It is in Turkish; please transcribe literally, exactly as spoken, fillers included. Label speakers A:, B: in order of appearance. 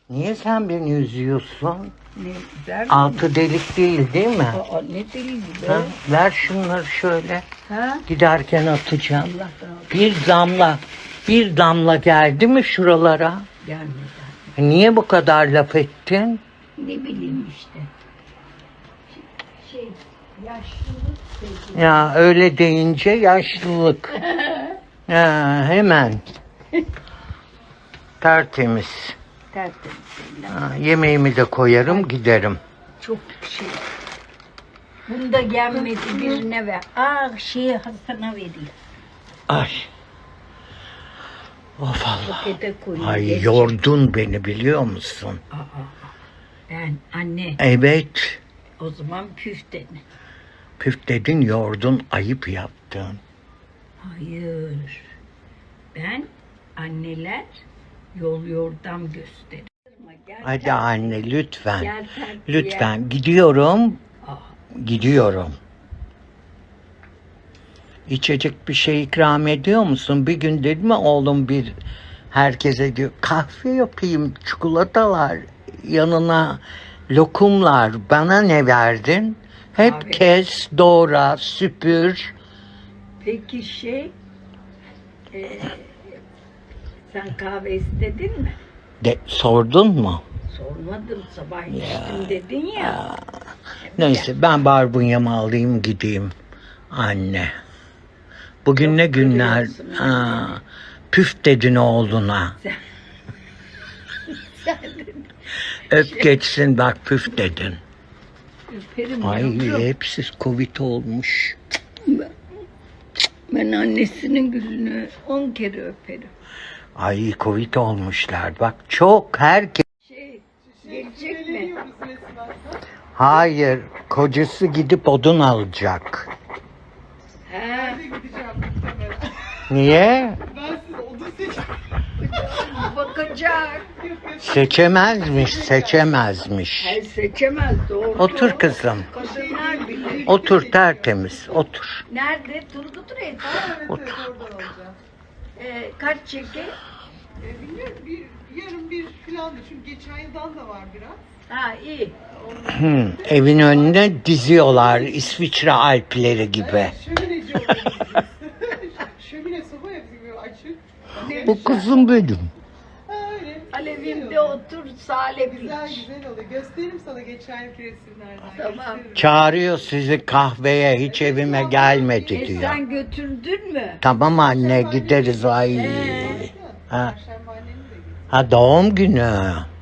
A: Niye sen beni üzüyorsun?
B: Ne der?
A: Altı delik değil değil mi?
B: Aa, ne değil be?
A: Ha, ver şunları şöyle.
B: Ha?
A: Giderken atacağım.
B: Allah razı
A: Bir damla, bir damla geldi mi şuralara?
B: gelmedi.
A: Niye bu kadar laf ettin?
B: Ne bileyim işte. Şey, yaşlılık sevgili.
A: Ya öyle deyince yaşlılık. Ha, hemen. Tertemiz.
B: Tertemiz.
A: Ha, yemeğimi de koyarım giderim.
B: Çok şey. Bunda gelmedi birine ver. Aa şeyi Hasan'a veriyor.
A: Ay. Of Allah.
B: Pakete koyuyor.
A: Ay
B: geç.
A: yordun beni biliyor musun?
B: Aa, ben anne
A: Evet.
B: o zaman püf dedi.
A: Püf dedin yordun ayıp yaptın.
B: Hayır. Ben anneler yol yordam gösterir. Gel,
A: Hadi
B: gel.
A: anne lütfen.
B: Gel terbiye.
A: Lütfen gidiyorum.
B: Aa,
A: Gidiyorum. İçecek bir şey ikram ediyor musun? Bir gün dedi mi oğlum bir herkese diyor kahve yapayım, çikolatalar, yanına lokumlar. Bana ne verdin? Hep
B: Kahve.
A: kes, doğra, süpür.
B: peki şey e, sen kahve istedin mi?
A: De, sordun mu?
B: Sormadım, sabah içtim dedin ya.
A: Neyse ben barbunyamı alayım gideyim. Anne. Bugün
B: Çok
A: ne günler?
B: kırıyorsun
A: Ha, püf dedin oğluna.
B: Sen, sen dedin.
A: Öp geçsin bak püf dedin.
B: Öperim
A: Ay
B: yavrum.
A: hepsi Covid olmuş.
B: Ben annesinin gülünü on kere öperim.
A: Ay Covid olmuşlar. Bak çok herkes.
B: Şey, gelecek mi?
A: Hayır kocası gidip odun alacak.
B: He,
A: Niye?
C: Ben size odun seçtim.
B: bakacak.
A: Seçemezmiş, seçemezmiş.
B: Her seçemez, doğru.
A: Otur kızım.
B: Kadınlar bilir.
A: Otur tertemiz, otur.
B: Nerede? Turgut Reis.
C: Evet,
A: Otur,
C: evet, oradan alacağım.
B: Ee, kaç çeki?
C: E, bilmiyorum, bir, yarın bir filandı. Çünkü geçen yıldan da var biraz.
B: Ha iyi.
A: Hı, evin önüne diziyorlar İsviçre Alpleri gibi.
C: Evet, şömineci oluyor. Şömine soba yapıyor açık.
B: Ne
A: Bu
B: güzel.
A: kızım benim.
C: Ha, öyle.
B: Alevimde otur, salep
C: Güzel
B: iç.
C: güzel oluyor. Gösteririm sana geçen yılki resimlerden.
B: Tamam.
C: Gösteririm.
A: Çağırıyor sizi kahveye hiç evime gelmedi
B: E
A: diyor.
B: sen götürdün mü?
A: Tamam anne gideriz ay.
B: Ee?
A: Ha,
C: Perşembe annenin de gidiyor.
A: ha doğum günü.